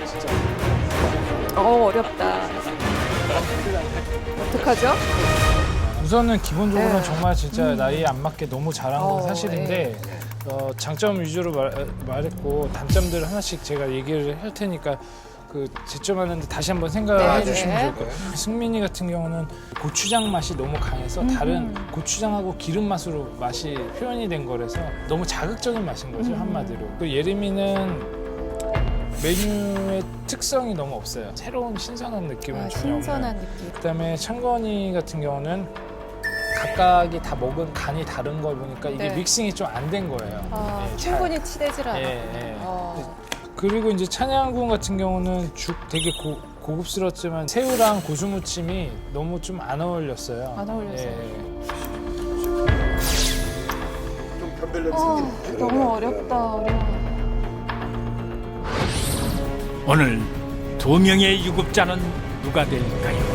진짜. 어렵다. 어떡하죠? 우선은 기본적으로는 네. 정말 진짜 나이에 안 맞게 너무 잘한 건 사실인데 장점 위주로 말했고 단점들 하나씩 제가 얘기를 할 테니까 그 제점하는데 다시 한번 생각해 주시면 좋을 것 같아요. 승민이 같은 경우는 고추장 맛이 너무 강해서 다른 고추장하고 기름 맛으로 맛이 표현이 된 거라서 너무 자극적인 맛인 거죠, 한마디로. 또 예림이는 메뉴의 특성이 너무 없어요. 새로운 신선한 느낌은 전혀 신선한 없는. 느낌. 그다음에 창건이 같은 경우는 각각이 다 먹은 간이 다른 걸 보니까 이게 네. 믹싱이 좀 안 된 거예요. 예, 충분히 치대질 않아. 예. 그리고 이제 찬양군 같은 경우는 죽 되게 고급스럽지만 새우랑 고수무침이 너무 좀 안 어울렸어요. 안 어울렸어요. 좀 변별력이 생기는. 너무 어렵다. 어려워. 오늘 두 명의 유급자는 누가 될까요?